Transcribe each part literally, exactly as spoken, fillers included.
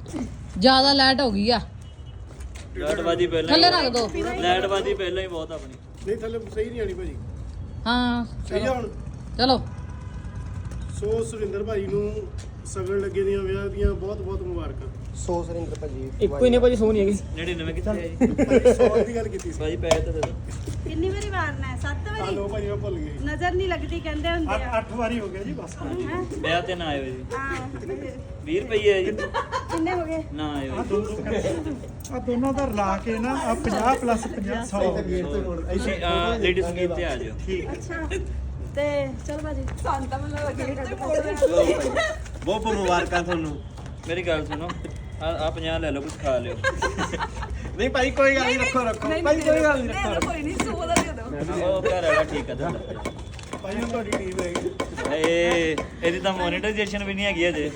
ਜ਼ਿਆਦਾ ਲਾਈਟ ਹੋ ਗਈ ਆ ਲਾਈਟ ਬਾਜੀ ਪਹਿਲਾਂ ਥੱਲੇ ਰੱਖ ਦੋ ਲਾਈਟ ਬਾਜੀ ਪਹਿਲਾਂ ਹੀ ਬਹੁਤ ਆਪਣੀ ਨਹੀਂ ਥੱਲੇ ਸਹੀ ਨਹੀਂ ਆਣੀ ਭਾਜੀ ਹਾਂ ਸਹੀ ਆ ਹੁਣ ਚਲੋ ਸੋ ਸੁਰਿੰਦਰ ਭਾਈ ਨੂੰ ਸਗਣ ਲੱਗੇ ਦੀਆਂ ਵਿਆਹ ਦੀਆਂ ਬਹੁਤ ਬਹੁਤ ਮੁਬਾਰਕਾਂ। ਸੌ ਸੁਰਿੰਦਰ ਭਾਜੀ ਇੱਕੋ ਹੀ ਨੇ ਭਾਜੀ ਸੌ ਨਹੀਂ ਹੈਗੀ ਜਿਹੜੇ ਨਵੇਂ ਕਿੱਥੇ ਆ ਜੀ ਸੌ ਦੀ ਗੱਲ ਕੀਤੀ ਸੀ ਭਾਜੀ ਪੈਸੇ ਤਾਂ ਦੇ ਦਿਓ ਕਿੰਨੀ ਵਾਰੀ ਵਾਰਨਾ ਹੈ? ਸੱਤ ਆ ਵਾਰੀ ਲੋ ਭਾਜੀ ਮੈਂ ਭੁੱਲ ਗਈ ਨਜ਼ਰ ਨਹੀਂ ਲੱਗਦੀ ਕਹਿੰਦੇ ਹੁੰਦੇ ਆ। ਅੱਠ ਵਾਰੀ ਹੋ ਗਿਆ ਜੀ ਬਸ। ਹੈਂ? ਵਿਆਹ ਤੇ ਨਾ ਆਇਓ ਜੀ ਹਾਂ ਵੀਹ ਰੁਪਏ ਹੈ ਜੀ ਕਿੰਨੇ ਹੋ ਗਏ? ਨਾ ਆਇਓ ਜੀ। ਆ ਦੋਨੋਂ ਦਾ ਰਲਾ ਕੇ ਨਾ ਆ ਪੰਜਾਹ ਪਲੱਸ ਪੰਜਾਹ ਸੌ ਤੁਸੀਂ ਲੇਡੀਜ਼ ਗੇਟ ਤੇ ਆ ਜਾਓ ਠੀਕ ਅੱਛਾ ਤੇ ਚਲ ਬਾਜੀ ਸੰਤਾ ਮੈਨੂੰ ਲੱਗੇ ਬਹੁਤ ਬਹੁਤ ਮੁਬਾਰਕਾਂ ਤੁਹਾਨੂੰ। ਮੇਰੀ ਗੱਲ ਸੁਣੋ ਆ ਆ ਪੰਜਾਹ ਲੈ ਲਓ ਕੁਝ ਖਾ ਲਿਓ ਨਹੀਂ ਭਾਈ ਕੋਈ ਗੱਲ ਨਹੀਂ, ਰੱਖੋ ਰੱਖੋ ਭਾਈ ਕੋਈ ਗੱਲ ਨਹੀਂ, ਰੱਖੋ ਕੋਈ ਨਹੀਂ ਸੋ ਦਾ ਦੇ ਦੋ ਉਹ ਘਰ ਵਾਲਾ ਠੀਕ ਆ ਤੁਹਾਡਾ ਭਾਈ ਹੁਣ ਤੁਹਾਡੀ ਟੀਮ ਹੈਗੀ। ਏ ਇਹਦੀ ਤਾਂ ਮੋਨੇਟਾਈਜੇਸ਼ਨ ਵੀ ਨਹੀਂ ਹੈਗੀ ਅਜੇ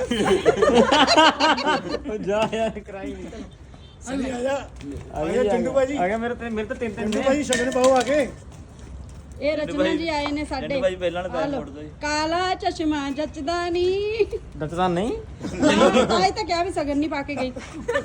ਜਾ ਯਾਰ ਕਰਾਈ ਨਹੀਂ ਸਹੀ ਆ ਜਾ ਆ ਗਿਆ ਚੰਦੂ ਭਾਜੀ। ਆ ਗਿਆ ਮੇਰੇ ਤੇ ਮੇਰੇ ਤੇ ਤਿੰਨ ਤਿੰਨ ਚੰਦੂ ਭਾਜੀ ਸ਼ਗਨ ਪਾਓ ਆ ਕੇ। ਇਹ ਰਚਨਾ ਜੀ ਆਏ ਨੇ ਸਾਡੇ ਚੰਦੂ ਭਾਜੀ ਪਹਿਲਾਂ ਵਾਲਾ ਆਹ ਪੈਰ ਲਓ। ਮੋੜ ਦਿਓ ਜੀ ਕਾਲਾ ਚਸ਼ਮਾ ਜੱਚਦਾ ਨਹੀਂ ਦੱਸਦਾ ਨਹੀਂ ਆਏ ਤਾਂ ਕਿਹਾ ਵੀ ਸਗਨ ਨਹੀਂ ਪਾ ਕੇ ਗਈ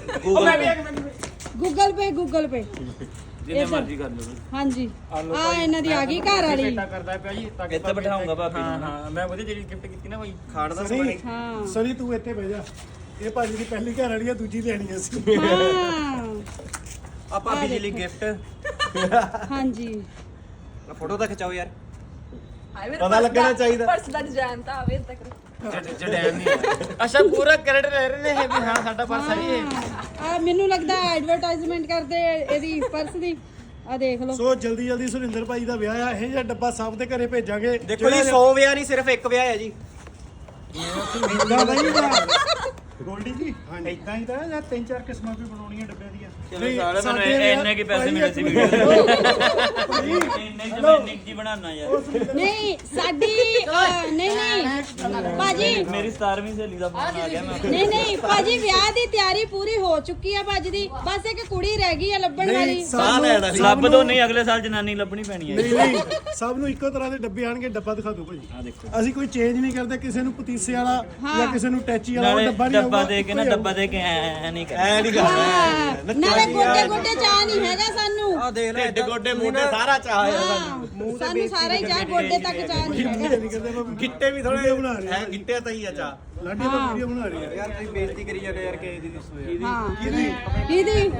ਗੂਗਲ ਪੇ ਗੂਗਲ ਪੇ ਜਿੰਨੇ ਮਰਜ਼ੀ ਕਰ ਲਓ ਹਾਂਜੀ ਆ ਇਹਨਾਂ ਦੀ ਆ ਗਈ ਘਰ ਵਾਲੀ ਬੇਟਾ ਕਰਦਾ ਪਿਆ ਜੀ ਤਾਂ ਕਿ ਇੱਥੇ ਬਿਠਾਊਂਗਾ ਭਾਬੀ ਹਾਂ ਨੂੰ ਹਾਂ ਮੈਂ ਉਹਦੀ ਜਿਹੜੀ ਗਿਫਟ ਕੀਤੀ ਨਾ ਭਾਈ ਖਾੜ ਦਾ ਸਨੀ ਹਾਂ ਸਨੀ ਤੂੰ ਇੱਥੇ ਬਹਿ ਜਾ। ਇਹ ਭਾਜੀ ਦੀ ਪਹਿਲੀ ਘਰ ਵਾਲੀ ਆ, ਦੂਜੀ ਲੈਣੀ ਆ ਸੀ। ਹਾਂ ਆ ਭਾਬੀ ਜੀ ਲਈ ਗਿਫਟ। ਹਾਂਜੀ ਫੋਟੋ ਤਾਂ ਖਿਚਾਓ ਯਾਰ, ਪਤਾ ਲੱਗਣਾ ਚਾਹੀਦਾ। ਪਰਸ ਦਾ ਡਿਜ਼ਾਈਨ ਤਾਂ ਆਵੇ ਤੱਕ ਜੜੈਨ ਨਹੀਂ ਹੈ। ਅੱਛਾ ਪੂਰਾ ਕ੍ਰੈਡਿਟ ਲੈ ਰਹੇ ਨੇ ਇਹ ਵੀ ਹਾਂ ਸਾਡਾ ਪਰਸ ਹੈ ਜੀ ਇਹ। ਆ ਮੈਨੂੰ ਲੱਗਦਾ ਐਡਵਰਟਾਈਜ਼ਮੈਂਟ ਕਰਦੇ ਇਹਦੀ ਪਰਸ ਦੀ ਆ ਦੇਖ ਲਓ ਸੋ ਜਲਦੀ ਜਲਦੀ ਸੁਰਿੰਦਰ ਭਾਈ ਦਾ ਵਿਆਹ ਆ, ਇਹ ਜਿਹਾ ਡੱਬਾ ਸਭ ਦੇ ਘਰੇ ਭੇਜਾਂਗੇ। ਦੇਖੋ ਜੀ ਸੌ ਵਿਆਹ ਨਹੀਂ ਸਿਰਫ ਇੱਕ ਵਿਆਹ ਹੈ ਜੀ। ਇਦਾਂ ਦਾ ਹੀ ਨਾ ਗੋਲਡੀ ਜੀ ਇਦਾਂ ਹੀ ਤਾਂ ਜਾਂ ਤਿੰਨ ਚਾਰ ਕਿਸਮਾਂ ਵੀ ਬਣਾਉਣੀਆਂ ਡੱਬਿਆਂ ਦੀਆਂ। ਚਲੋ ਸਾਲੇ ਮੈਨੂੰ ਸਾਡੇ ਇੰਨੇ ਕੀ ਪੈਸੇ ਭਾਈ ਮਿਲੇ ਸੀ ਇੱਕ ਵੀਡੀਓ ਇੰਨੇ ਚ ਮੈਂ ਨਿੱਕੀ ਬਣਾਉਣਾ ਯਾਰ ਨਹੀਂ ਸਾਡੀ ਅਹ, ਨਹੀਂ ਨਹੀਂ ਭਾਜੀ ਮੇਰੀ ਸਤਾਰਵੀਂ ਸਹੇਲੀ ਦਾ ਫੋਨ ਆ ਗਿਆ ਮੈਂ ਨਹੀਂ ਨਹੀਂ ਭਾਜੀ ਵਿਆਹ ਦੀ ਤਿਆਰੀ ਪੂਰੀ ਹੋ ਚੁੱਕੀ ਆ ਭਾਜੀ ਦੀ ਬਸ ਇੱਕ ਕੁੜੀ ਰਹਿ ਗਈ ਆ ਲੱਭਣ ਵਾਲੀ ਸਾਹ ਲੈਣਾ ਸੀ। ਲੱਭ ਦੋ ਨਹੀਂ ਅਗਲੇ ਸਾਲ ਜਨਾਨੀ ਲੱਭਣੀ ਪੈਣੀ ਹੈ ਨਹੀਂ ਨਹੀਂ ਸਭ ਨੂੰ ਇੱਕੋ ਤਰ੍ਹਾਂ ਦੇ ਡੱਬੇ ਆਣਗੇ। ਡੱਬਾ ਦਿਖਾ ਦਿਓ ਭਾਜੀ। ਆ ਦੇਖੋ ਅਸੀਂ ਕੋਈ ਚੇਂਜ ਨਹੀਂ ਕਰਦੇ, ਕਿਸੇ ਨੂੰ ਪਤੀਸੇ ਵਾਲਾ ਜਾਂ ਕਿਸੇ ਨੂੰ ਟੈਚੀ ਵਾਲਾ ਉਹ ਨਾਲੇ ਡੱਬਾ ਨਹੀਂ ਡੱਬਾ ਆਊਗਾ, ਦੇ ਕੇ ਨਾ ਇੱਕੋ ਹੀ ਡੱਬਾ ਦੇ ਕੇ ਐ ਨਹੀਂ ਕਰ ਐ ਨਹੀਂ ਕਰਨਾ। ਹਾਂ, ਨਾਲੇ ਗੋਡੇ ਗੋਡੇ ਚਾਹ ਨਹੀਂ ਹੈਗਾ ਸਾਨੂੰ ਆ ਦੇਖ ਲੈ ਢਿੱਡ ਗੋਡੇ ਮੋਢੇ ਸਾਰਾ ਚਾਹ ਆ ਹਾਂ, ਸਾਨੂੰ ਸਾਰਾ ਹੀ ਚਾਹ ਗੋਡੇ ਤੱਕ ਚਾਹ ਨਹੀਂ ਹੈਗਾ ਨਹੀਂ ਕਰਦੇ ਆਪਾਂ ਗਿੱਟੇ ਵੀ ਥੋੜੇ ਵੀਡੀਓ ਬਣਾ ਰਹੇ ਐ ਗਿੱਟੇ ਤਾਂ ਹੀ ਆ ਚਾਹ। ਲਾਡੀ ਦਾ ਵੀਡੀਓ ਬਣਾ ਰਹੇ ਆ। ਯਾਰ ਤੁਸੀਂ ਬੇਇੱਜ਼ਤੀ ਕਰੀ ਜਾਂਦੇ ਯਾਰ ਕਿਸੇ ਦੀ ਦੱਸੋ ਹਾਂ ਕਿਹਦੀ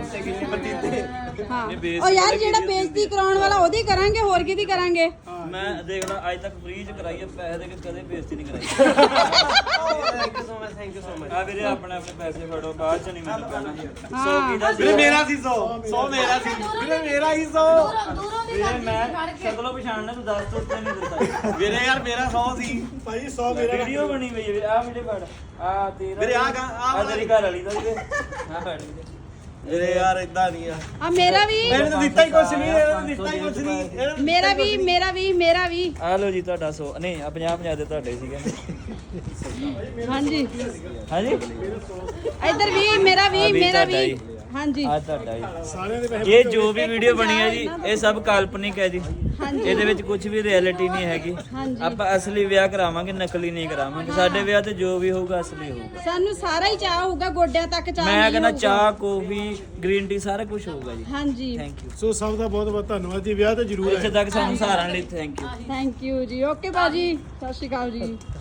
ਹਾਂ ਉਹ ਯਾਰ ਜਿਹੜਾ ਬੇਇੱਜ਼ਤੀ ਕਰਾਉਣ ਵਾਲਾ ਉਹਦੀ ਕਰਾਂਗੇ ਹੋਰ ਕਿਹਦੀ ਕਰਾਂਗੇ ਮੈਂ ਦੇਖ ਲਾ ਅੱਜ ਤੱਕ ਫ੍ਰੀ ਚ ਕਰਾਈ ਹੈ ਪੈਸੇ ਦੇ ਕੇ ਕਦੇ ਬੇਇੱਜ਼ਤੀ ਨਹੀਂ ਕਰਾਈ thank you so much thank you so much. ਆ ਵੀਰੇ ਆਪਣੇ ਆਪਣੇ ਪੈਸੇ ਫੜੋ ਬਾਅਦ ਚ ਨਹੀਂ ਮੈਨੂੰ ਕਹਿਣਾ ਹਾਂ। ਸੌ ਕਿਹਦਾ ਸੀ ਵੀਰੇ ਮੇਰਾ ਸੀ ਸੌ ਸੌ ਮੇਰਾ ਸੀ ਵੀਰੇ ਮੇਰਾ ਹੀ ਸੌ ਵੀਰੇ ਮੈਂ ਸ਼ਕਲੋਂ ਪਛਾਣਨਾ ਤੂੰ ਦੱਸ ਤੋ ਉੱਤੇ ਨਹੀਂ ਦਿੱਤਾ ਵੀਰੇ ਯਾਰ ਮੇਰਾ ਸੌ ਸੀ ਭਾਈ ਸੌ ਮੇਰਾ ਵੀਡੀਓ ਬਣੀ ਪਈ ਹੈ ਵੀਰੇ ਆ ਵੀਡੀਓ ਫੜ ਆ ਤੇਰਾ ਵੀਰੇ ਆਹ ਗਾ- ਆਹ ਆ ਤੇਰੀ ਘਰ ਵਾਲੀ ਦਾ ਵੀਰੇ ਆ ਫੜ ਵੀਰੇ ਵੀਰੇ ਯਾਰ ਇਦਾਂ ਨਹੀਂ ਆ। ਆ ਮੇਰਾ ਵੀ ਇਹਨੇ ਤਾਂ ਦਿੱਤਾ ਹੀ ਕੁਛ ਨਹੀਂ, ਇਹਨੇ ਤਾਂ ਦਿੱਤਾ ਹੀ ਕੁਛ ਨਹੀਂ। ਇਹਨੇ- ਮੇਰਾ ਵੀ ਮੇਰਾ ਵੀ ਮੇਰਾ ਵੀ ਆ ਲਓ ਜੀ ਤੁਹਾਡਾ ਸੌ ਨਹੀਂ ਆ ਪੰਜਾਹ ਪੰਜਾਹ ਦੇ ਤੁਹਾਡੇ ਸੀਗੇ ਹਾਂਜੀ ਹਾਂਜੀ ਇੱਧਰ ਵੀ ਮੇਰਾ ਆ ਵੀ ਵੀ ਮੇਰਾ ਤੁਹਾਡਾ ਵੀ ਜੀ। ਹਾਂਜੀ ਆ ਤੁਹਾਡਾ ਜੀ ਸਾਰਿਆਂ ਦੇ ਪੈਸੇ ਇਹ ਜੋ ਵੀ ਵੀਡੀਓ ਬਣੀ ਹੈ ਜੀ ਇਹ ਸਭ ਕਾਲਪਨਿਕ ਹੈ ਜੀ ਹਾਂਜੀ। ਇਹਦੇ ਵਿੱਚ ਕੁਝ ਵੀ ਰਿਐਲਿਟੀ ਨਹੀਂ ਹੈਗੀ ਹਾਂਜੀ। ਆਪਾਂ ਅਸਲੀ ਵਿਆਹ ਕਰਾਵਾਂਗੇ ਨਕਲੀ ਨਹੀਂ ਕਰਾਵਾਂਗੇ ਸਾਡੇ ਵਿਆਹ ਤੇ ਜੋ ਵੀ ਹੋਊਗਾ ਅਸਲੀ ਹੋਊਗਾ ਸਾਨੂੰ ਸਾਰਾ ਹੀ ਚਾਹ ਹੋਊਗਾ ਗੋਡਿਆਂ ਤੱਕ ਚਾਹ ਮੈਂ ਨਹੀਂ ਕਹਿੰਦਾ ਹੋਊਗਾ। ਚਾਹ ਕੌਫੀ ਗ੍ਰੀਨ ਟੀ ਸਾਰਾ ਕੁਝ ਹੋਊਗਾ ਜੀ ਹਾਂਜੀ ਥੈਂਕ ਯੂ ਸੋ ਸਭ ਦਾ ਬਹੁਤ ਬਹੁਤ ਧੰਨਵਾਦ ਜੀ। ਵਿਆਹ ਤਾਂ ਜ਼ਰੂਰ ਇੱਥੇ ਹੈ। ਤੱਕ ਸਾਨੂੰ ਸਹਾਰਨ ਲਈ ਥੈਂਕ ਯੂ ਥੈਂਕ ਯੂ ਜੀ ਓਕੇ ਬਾਜੀ ਸਤਿ ਸ਼੍ਰੀ ਅਕਾਲ ਜੀ